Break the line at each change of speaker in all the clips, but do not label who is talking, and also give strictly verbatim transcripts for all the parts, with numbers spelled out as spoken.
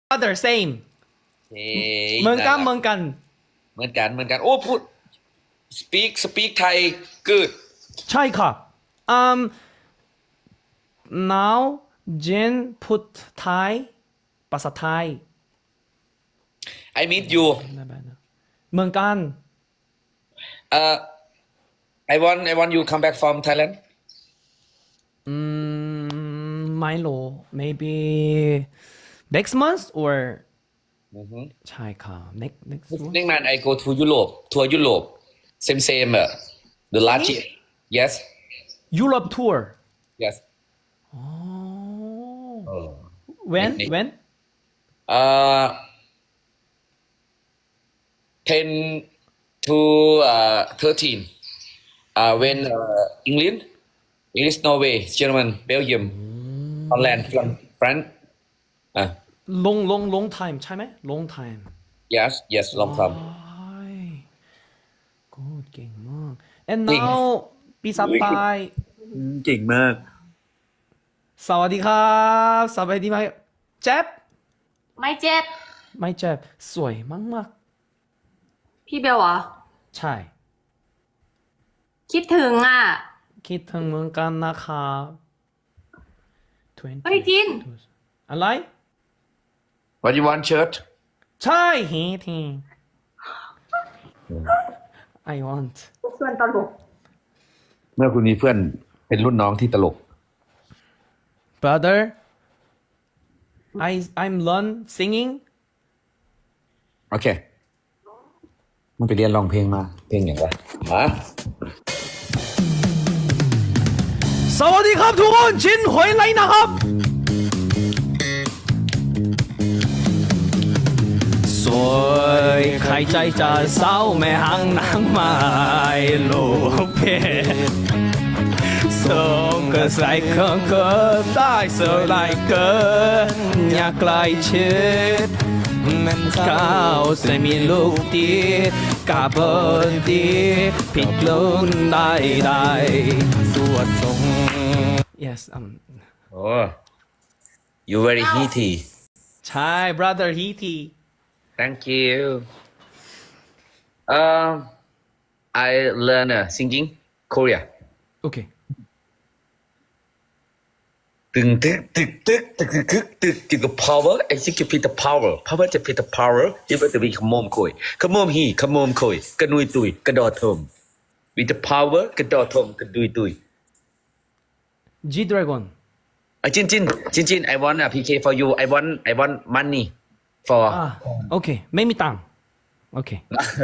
other same
เฮ้ย
เหมือนกัน
ารั
เหมือนกัน
เหมือนกันเหมือนกันโอ้พูด speak speak Thai good
ใช่ค่ะ um now Jen put Thai ภาษาไทย
I meet you
เหมือนกัน
uh I want I want you come back from Thailand
อืมไม่รู้ maybe next month or ใช่ค่ะ next next month
next month I go to Europe ทัวร์ยุโรป same same อะ the last year yes
Europe tour
yes
อ๋อ
เออ
when
Next-
when
uh ten to uh thirteen uh when uh England English Norway German Belgium Holland France France อ่ะ
long long long time ใช่ไหม long time
yes yes long time
ว้ายกูเก่งมาก and
เก่ง
now ปีสปาย
เก่งมาก
สวัสดีครับสบายดีไหมเจ็บ
ไม่เจ็บ
ไม่เจ็บสวยมาก
พี่เบลเหรอ
ๆใช่
คิดถึงอ่ะ
คิดถึงเหมือนกันนะครับ20
เฮ้ยจิน
อะไร
What you want shirt
ใช่เฮที I want
เพื่อนตลก
เมื่อคุณมีเพื่อนเป็นรุ่นน้องที่ตลก
brother I I'm learn singing
โอเค มันไปเรียนร้องเพลงมา เพลงอย่างไรฮะ
สวัสดีครับทุกคนชินหวยไรนะครับสวยใครใจจะเศร้าไม่ห่างนางไม้ลูกเพชรส่งก็ใส่เครื่องเกิดได้สลายเกินอยากใกล้ชิดมันก้าวใส่มีลูกดีกาบดีผิดลุ้นได้ได้สวดทรง yes um
โอ้ you very heaty
ใช่ brother Heaty
thank you um I learn uh, singing Korea
โอเค
ตึงตึกตึกตึกตึกตึกตึกตึกตึก power I think you feel the power power จะ feel the power ที่ว่าจะมีขมมคุยขมมฮีขมมคุยกระนุยตุยกระดอทม with the power กระดอทมกระดุยตุย
G Dragon
อ่ะจินจินจินจิน I want a พี เค for you I want I want money for
อ่าโอเคไม่มีตังค์โอเค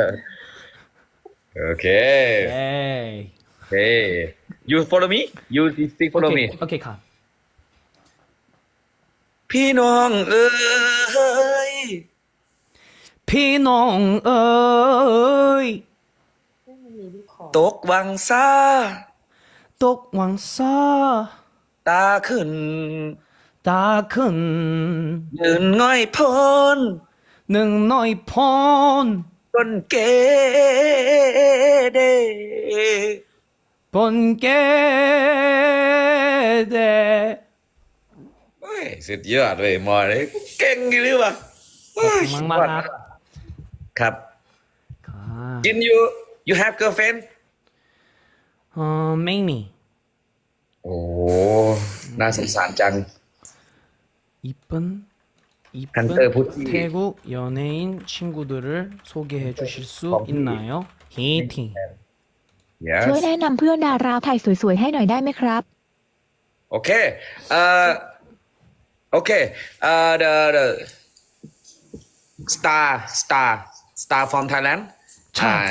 โอเค
เอ้ย
Hey you follow me you still
โอ
follow
เค
me
โอเคครับ
พี่น้องเอ้ย
พี่น้องเอ้ย
ตกวังซา
ตกหวังซา
ตาขึ้น
ตาขึ้น
ยืนง่อยพ้น
หนึ่งน้อยพร
ต้นเกเด
บนเกเด
เฮ้ยสุดยอดเลยหมอเลยเก่งอยู่หรือเปล่า
มังมากครับ
ครับ
ค่ะ
จิน you you have girlfriend
เออไม่มี
โอ้น่าสงสารจัง
이쁜 이쁜
한때 보티.
태국 연예인 친구들을 소개해 주실 수 있나요? 히팅
yes
ช่วยแนะนำเพื่อนดาราไทยสวยๆให้หน่อยได้ไหมครับ
okay uh okay uh the the star star star from Thailand uh,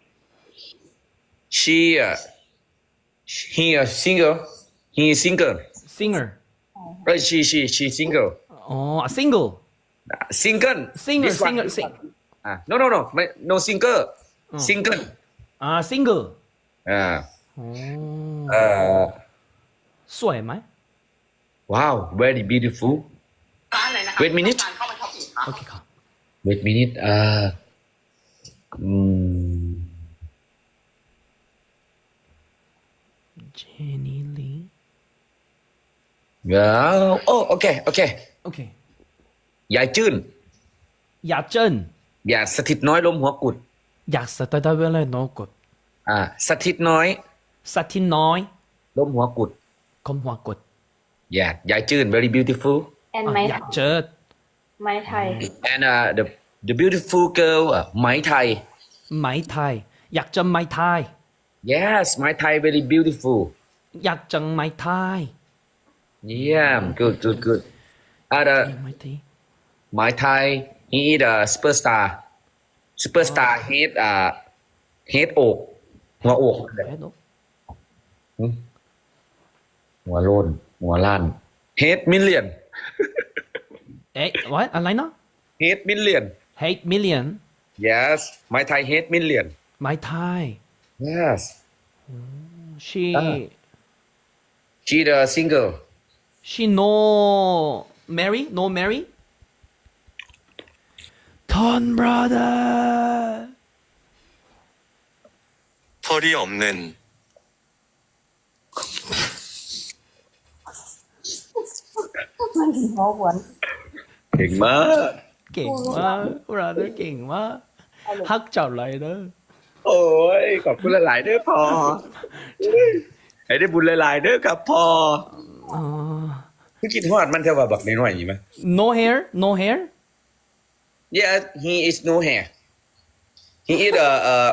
she uh, he a singer he is single
singer
uh, she she she single
어 아, single
single
singer
This one,
singer
this
sing
one. Ah, no no no no single single
아 single
อ่า
어
เอ่อ
สวยไหม
wow very beautiful
ร้านไหนนะคะ
wait minute
เข้ามาช็อปอีกค่ะ
โอเคครับ
wait minute อ่าอืม
제니 리
well oh okay okay
오케이
ยายจื้น
อยากเจิ้น
อย่าสถิตน้อยล้มหัวกุด
อยากสตาร์ทเวลาโนกด
อ่าสถิตน้อย
สัตว์ที่น้อย
ล้มหัวกุด
คมหัวกด
อย่ายายจื้น very beautiful
แอน
อ่ะ
ไม้
อยากเจอ
ไม้ไทย
and uh, the the beautiful girl อ่ะไหมไทย
ไหมไทย อยากจะไหมไทย
yes ไหมไทย very beautiful
อยากจังไหมไทย
yeah good good good อ่า the
ไหมไทย
ไหมไทย he is a superstar superstar head อ่า head อกหัวอก
เฮ้ยโน
หัวโลนหัวล้าน head million
เอ๊ะ what อะไรนะ
head million
hate million
yes ไหมไทย head million
ไหมไทย
yes
she
อ่า she the single
she no marry no marry ton brother
털이 없는
มันถึงหัวหวน
เก่งมาก
เก่งมาก brother เก่งมากฮักเจ้าไรเด้อ
โอ้ยขอบคุณหลายๆเด้อพอให้ได้บุญหลายๆเด้อครับพอ
อ๋อ
คือคิดฮอดมันเท่าว่าบักน้อยๆอย่างนี้ไหม
no hair no hair
yeah he is no hair he is a uh,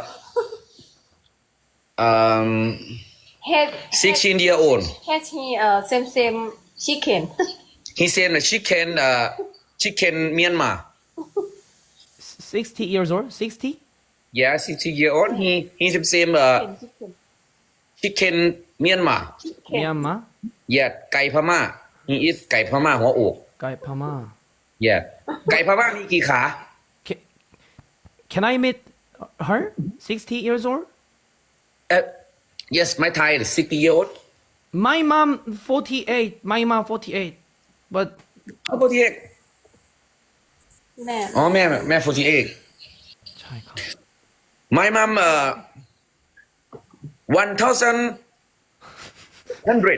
um
เฮ็ด
sixteen year old
เฮ็ดที่เอ่อ same same chicken
he said a chicken uh, chicken Myanmar
sixty years old sixty
yeah sixteen year old he he's the same uh,
chicken
chicken Myanmar
เมียนมา
yeah ไก่พม่า he is ไก่พม่าหัวอก
ไก่พม่า
yeah ไก่พม่ามีกี่ขา
Can, can I meet her sixty years old
เอ่อ yes ไม่ไทย sixty year old
my mom forty-eight my mom forty-eight but
เขาพูดที่เอก
แม่
อ๋อแม่แม่ forty-eight
ใช่ครับ
my mom uh, one thousand hundred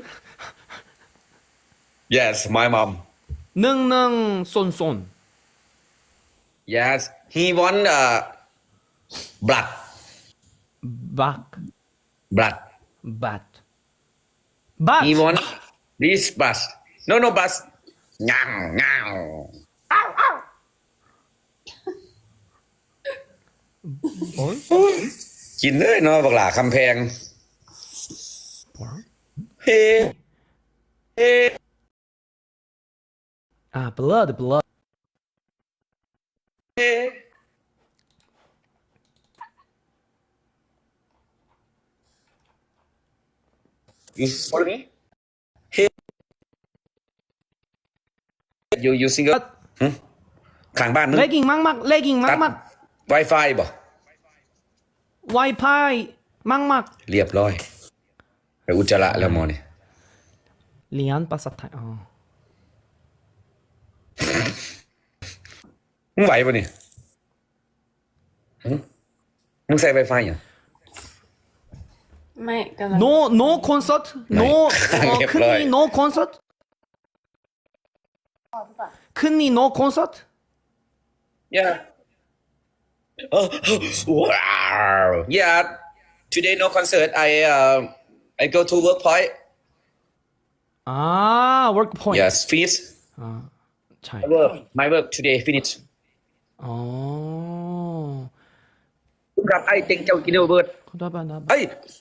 yes my mom
หนึ่งหนึ่งส่วนส่วน
yes he want uh, blood
back
blood
but but
he want this bus no no bus งางงาง
โอ้ย
กินเลยเนาะบักหลาคำแพงเฮ้เฮ้
อ่า blood blood
เฮ้ you follow me เฮ้ you you single ข้างบ้านมึง
legging มากมาก legging มากมาก
Wi-Fi บ่
Wi-Fi มากมาก
เรียบร้อยไปอุจจาระแล้วหมอนี่
เรียนภาษาไทยอ๋อ
มึงไหวป่ะเนี่ยหึมึงใส่ Wi-Fi ยัง
ไม่กำลัง
no no concert no
ไม่ เรียบ
คืน
ร้อย
นี้ no concert คืนนี้ no concert
Yeah. Oh, wow. Yeah. Today no concert. I uh, I go to work point.
อ่า work point
Yes, finish
อ่าใช่
my work. My work today finish.
อ๋อ
คุณครับไอ้เต็งเจ้ากินเนอร์เบิร์ด
ขอโทษบ้านนะ
เอ้ย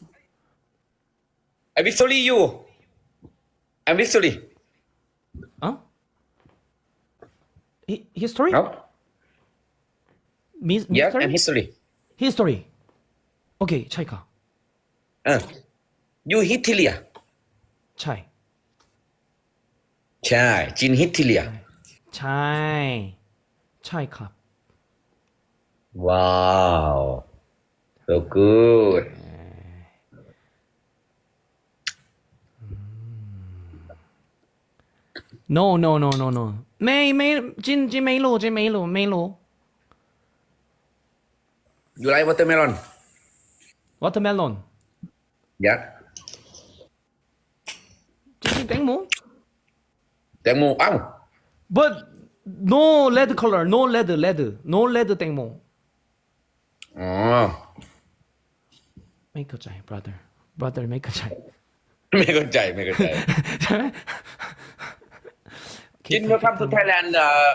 I victory you. I'm victory.
อ๋อ Hi- history
No.
Miss
Yes,
history
I'm history.
history โอเคใช่ค่ะ
Uh, you Hitler.
ใช่
ใช่จิน Hitler.
ใช่ใช่ครับ
Wow. So good.
no no no no no ไม่ไม่จินจินไม่รู้จินไม่รู้ไม่รู้
You like watermelon?
watermelon
Yeah.
จินจินแตงโม
แตงโมเอ้า
but no red color no red red no red แตงโม
อ๋อ
ไม่เข้าใจ brother brother ไม่เข้าใจ
ไม่เข้าใจไม่เข้าใจ
ใช่ไหม
Jin welcome to Thailand เอ่อ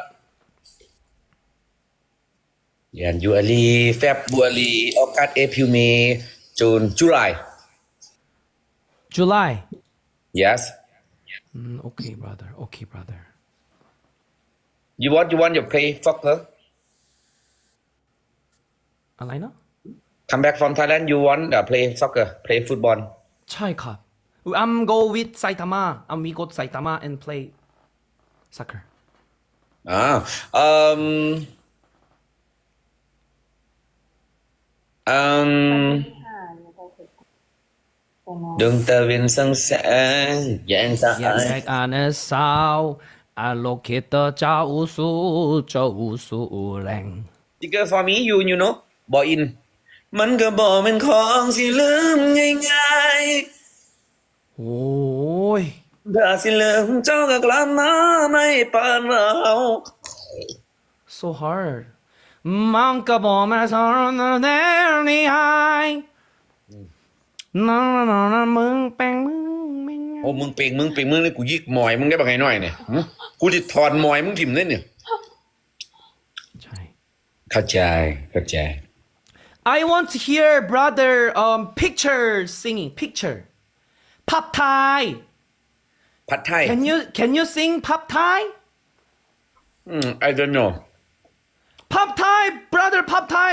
January February August April May June July
July
yes
mm, okay brother okay brother
you want you want to play soccer
อะไรนะ
come back from Thailand you want to play soccer play football
ใช่ครับ I'm go with Saitama I'm we go to Saitama and play soccer
อ่าเอ่ออืม
อ่าเนี่ยก็คือแต่น้อง
ดวงตะวันส่องแสงแยงตา
แยกอันเศร้าอาโลเคตเจ้าสู่เจ้าสู่แรง
Sticker for me you you know บออิน มันก็บอกเป็นของสิลืมง่าย
โอ้ย
ๆถ้าสิลืมเจ้าก็กลับมาไม่ปานเรา
so hard มันก็บอกมาสอนแน่นี่ไฮนั่นนั่นมึงแปลงมึงไม่ไง
โอ้มึงเป่งมึงเป่งมึงเลยกูยิกหมอยมึงได้บักไงหน่อยเนี่ยหึกูจะถอดหมอยมึงถิ่มเลยเนี่ย
ใช่
เข้าใจเข้าใจ
I want to hear brother um picture singing picture pop Thai
ผัดไทย
can you can you sing pop Thai
อืม I don't know
pop Thai brother pop Thai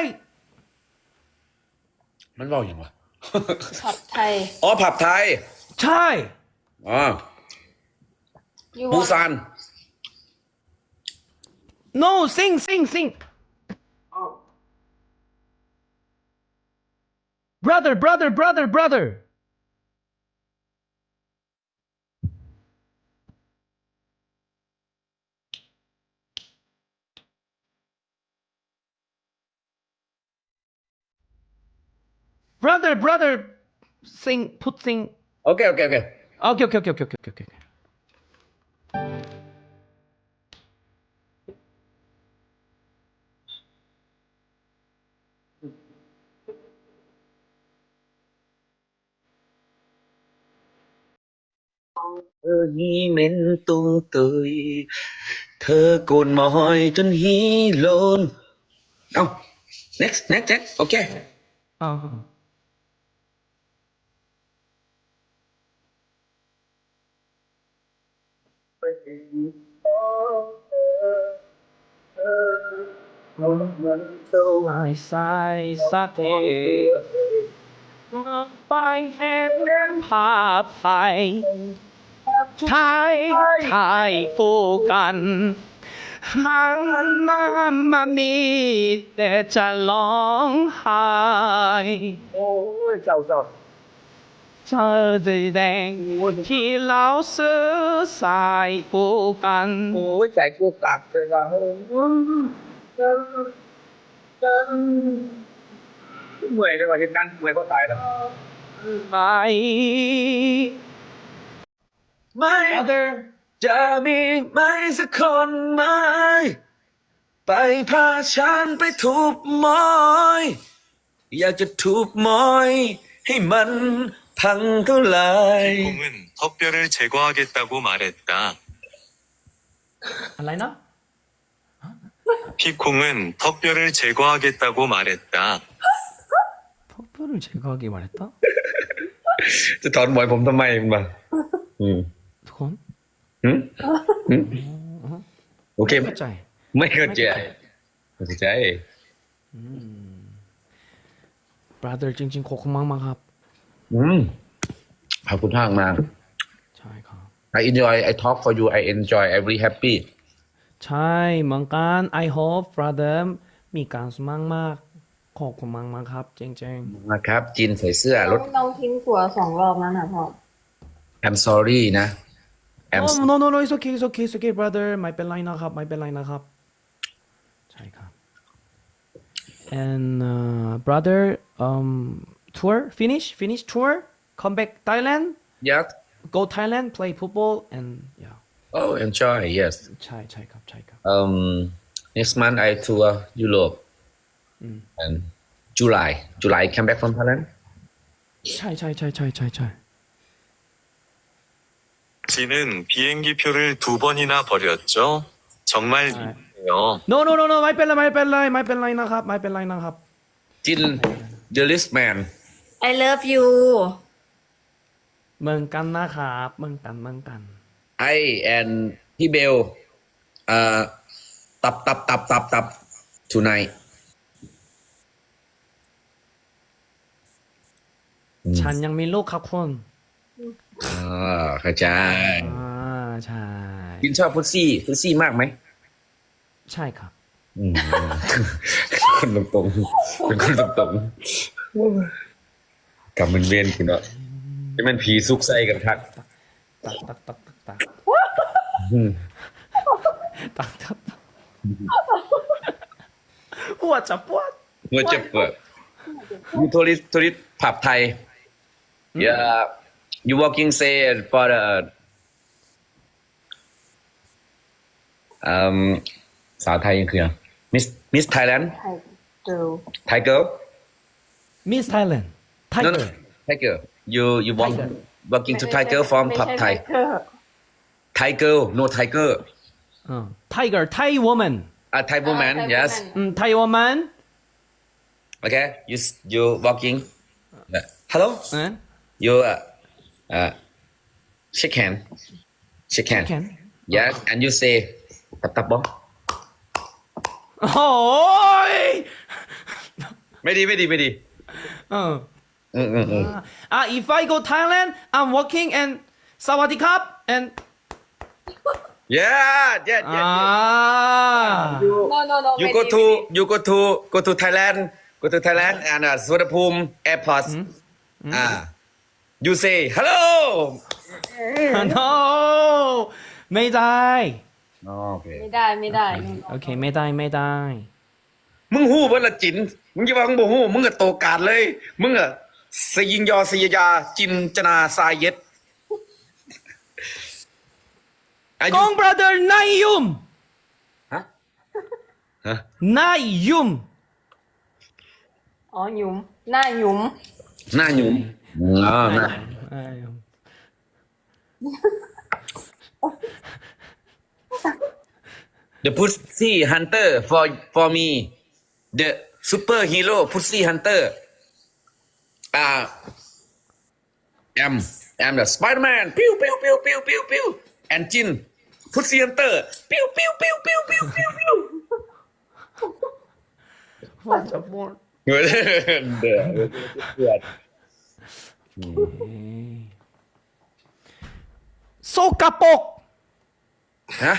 มันบอกอย่างวะ
ผัดไทย
อ๋อผับไทย
ใช่
อ๋อ
you
ปู
want
ซาน
no sing sing sing brother brother brother brother brother brother sing put sing
โอเคโอเคโอเค
okay okay okay okay okay okay okay
เธอฮีเหม็นตุงตุยเธอโกนหมอยจนฮีโลนเอ้า next next next โอเค
อ่า ลายสายสะเทไปแห่งเรื่องภาพไทยไทยไทยคู่กันมันมันมันมีแต่จะร้องไห้โอ้ยเจ้าเจ้าเธอสีแดงที่เราซื้อสายคู่กัน
โอ้ยใจกูตักเลยว่ะเมื่อยเลยว่ะที่นั่นเมื่อยก็ตายแล้ว
ไป
ไม่
other
จะมีไหมสักคนไหมไปพาฉันไปทุบหมอยอยากจะทุบหมอยให้มันพังเท่าไหร่
콩은 턱뼈를 제거하겠다고 말했다.
อะไรนะ
피콩은 턱뼈를 제거하겠다고 말했다.
턱뼈를 제거하기 말했다?
จะถอนหมอยผมทำไมมันมาอืม
그건
หืมหืมโอเค
เข้าใจ
ไม่เข้าใจไม่เข้าใจ
brother จริงๆขอบคุณมากๆครับ
อืมขอบคุณมากมาก
ใช่ครับ
I enjoy I talk for you I enjoy I very happy
ใช่เหมือนกัน I hope brother มีการสมั่งมากขอบคุณมากๆครับจริง
นะครับจีนใส่เสื้อรถ
น้องทิ้งตัวสองรอบแล้วนะพ่อ
I'm sorry นะ
ๆ
I'm
oh no no no it's okay it's okay it's okay brother ไม่เป็นไรนะครับไม่เป็นไรนะครับใช่ครับ and uh, brother um tour finish finish tour come back Thailand
yes
go Thailand play football and yeah
oh enjoy yes
ใช่ใช่ครับใช่ครับ
um next month I tour Europe and July July come back from Thailand
ใช่ใช่ใช่ใช่ใช่ใช่
지는 비행기표를 두 번이나 버렸죠? 정말 미안해요.
no no no no ไม่เป็นไรไม่เป็นไรไม่เป็นไรนะครับไม่เป็นไรนะครับ
จิน the list man
I love you
เหมือนกันนะครับเหมือนกันเหมือนกัน
I and พี่เบลเอ่อตับตับตับตับตับ tonight
ฉันยังมีลูกครับคุณ
อ่าเข้าใจ
อ่าใช่
จินชอบพุซซี่พุซซี่มากไหม
ใช่ครับ
อืม คนตรงๆเป็นคนตรงๆกำมันเวียนคุณเนาะจะเป็นผีซุกไส้กันทัก
ตักตักตักตักตัก
อืม
ตักตักตักหัวจะปวด
เมื่อจะเปิดยูทัวริสทัวริสผับไทย yeah you walking say for the um สาวไทยยังคือมิสมิสไทยแลนด์
ไทย girl
ไทยเกิร์ล
มิสไทยแลนด์ไทย
no
เก
no
อร์
ไทยเกิร์ล you you walk
Tiger
walking to Thai girl from ผับไทย
ไม่ใช่ Tiger
ไทยเกิร์ล no tiger
ไทเกอร์ไทยวอมแมน
a Thai woman
Thai
yes
woman
อืมไทยวอมแมน
okay you you walking hello
เอ๊ะ
you uh, uh shake hand shake hand
แขน
yes and you say ตับตับบ่
โอ้ย
ไม่ดีไม่ดีไม่ดี
เออ
อืมอืมอืม
อ่ะ if I go Thailand I'm working and สวัสดีครับ and
yeah yeah
อ่า
yeah yeah you
no no no
you
ไม่
go
ดี
to you go to go to Thailand go to Thailand and uh, สุวรรณภูมิ airport อ่า you say hello
no ไม่ได้
โอเค
ไม่ได้ไม่ได้
โอเคไม่ได้ไม่ได้
มึงหู้เบิ่ละจินมึงอย่าว่ามึงบ่หู้มึงก็โตกาดเลย มึงอะสยิงยอสยยาจินจนาสายเย็ดอา
ก
ยุ
อง brother นายยุม
ฮะฮะ
นายยุม
อ๋อหยุมหน้าหยุม
หน้าหยุ่มอ๋อหน้า
นายยุม
The Pussy Hunter for for me the superhero Pussy Hunter อ่า am am the Spider-Man ปิ้วปิ้วปิ้วปิ้วปิ้วปิ้ว and Jin Pussy Hunter ปิ้วปิ้วปิ้วปิ้วปิ้วปิ้วปิ้ว
ว่าจะพูด
เดือดเดือดเดือด
โซกะปรก
ฮะ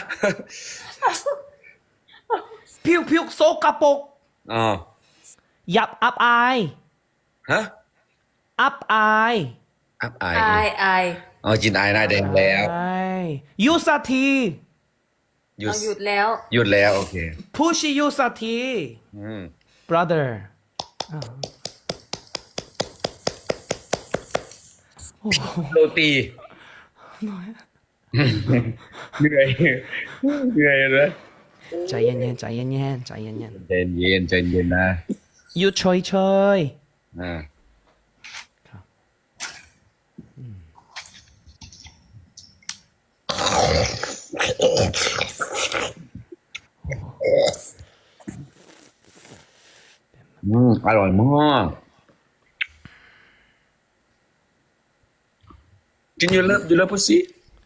ผิวผิวโซกะปรก
อ๋อ
ยับอับอาย
ฮะ
อับอาย
อับอาย
อายอาย
อ๋อจินอายหน้าแดงแล้ว
ใช่ยูสักที
หยุด
เอาหยุดแล้ว
หยุดแล้วโอเค
พูชิยูสักที
อืม
brother
โรตีเหนื่อยเหนื่อยเลย
ใจเย็นๆใจเย็นๆใจเย็น
ใจเย็นใจเย็นนะ
ๆยูเฉยเฉย
อ่า อืมอร่อยมากกิน you love you love pussy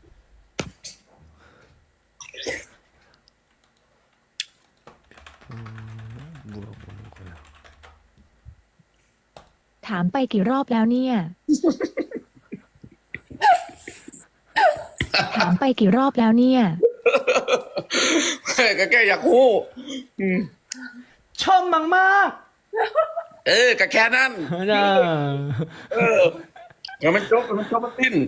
ถามไปกี่รอบแล้วเนี่ย ถามไปกี่รอบแล้วเนี่ย
ก็แค่อยากคู่
ชอบมากมาก
เออก็แค่นั้น
ๆจ้า
เออก็มันจบมันจบมันติ้น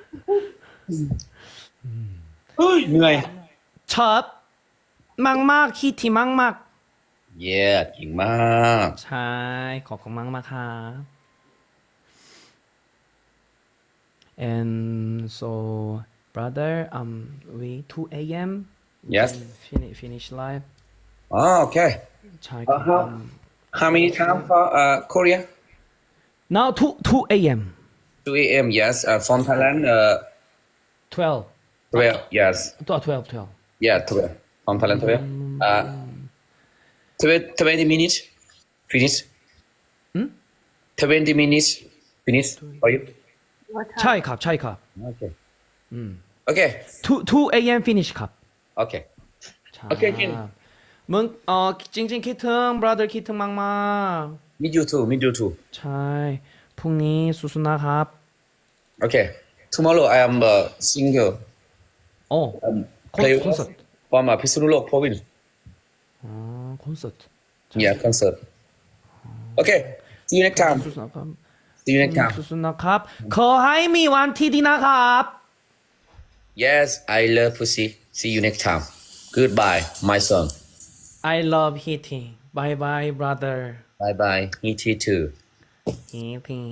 เฮ้ยเหนื่อย
ชอบมากมากๆคิดที่มากมาก
เย้เก่งมาก
ๆใช่ขอบคุณมากมากๆครับ and so brother um we two a.m.
Yes.
finish finish live
Oh, okay.
ใช่ครับ
Uh, how how many time for uh Korea?
now two two a.m.
two a.m. Yes. Uh, from Thailand. Uh,
twelve
twelve. Yes.
twelve twelve twelve
Yeah, twelve. From Thailand, twelve. Uh, twenty, twenty minutes. Finish.
Hmm?
Twenty minutes. Finish for you.
What time?
ใช่ครับใช่ครับ
Okay. Okay.
two two a.m. finish ครับ
Okay.
ใช่
โอเคกิน
มึงเออจริงๆคิดถึง brother คิดถึงมาก
Meet you too. Meet you too.
ๆใช่พรุ่งนี้สู้ๆนะครับ
Okay. Tomorrow I am uh, single.
โอ้คอน
Play
คอนเสิร์ต
from uh, Pisunulok province.
อ๋อคอนเสิร์ต
Yeah, concert. Okay. See you next time.
สู้ๆนะครับ
See you next time.
สู้ๆนะครับขอให้มีวันที่ดีนะครับ
Yes, I love pussy. See you next time. Goodbye, my son.
I love hitting bye bye brother
Bye bye. Me too.
hitting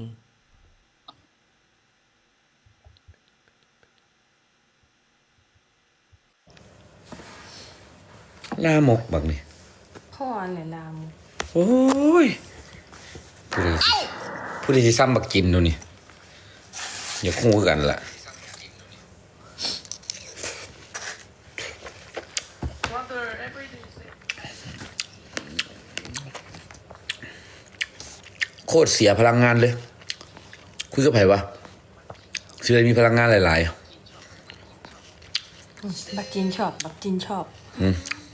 ลามกบักนี่
พ่ออันไหนลาม
โอ้ยผู้ใดสิผู้ใดสิซ้ำบักกินดูนี่อย่าคู่กันล่ะโคตรเสียพลังงานเลย คุยกับไผวะเชื่อมีพลังงานหลาย
บักจินชอบบักจินชอบ
ๆอืม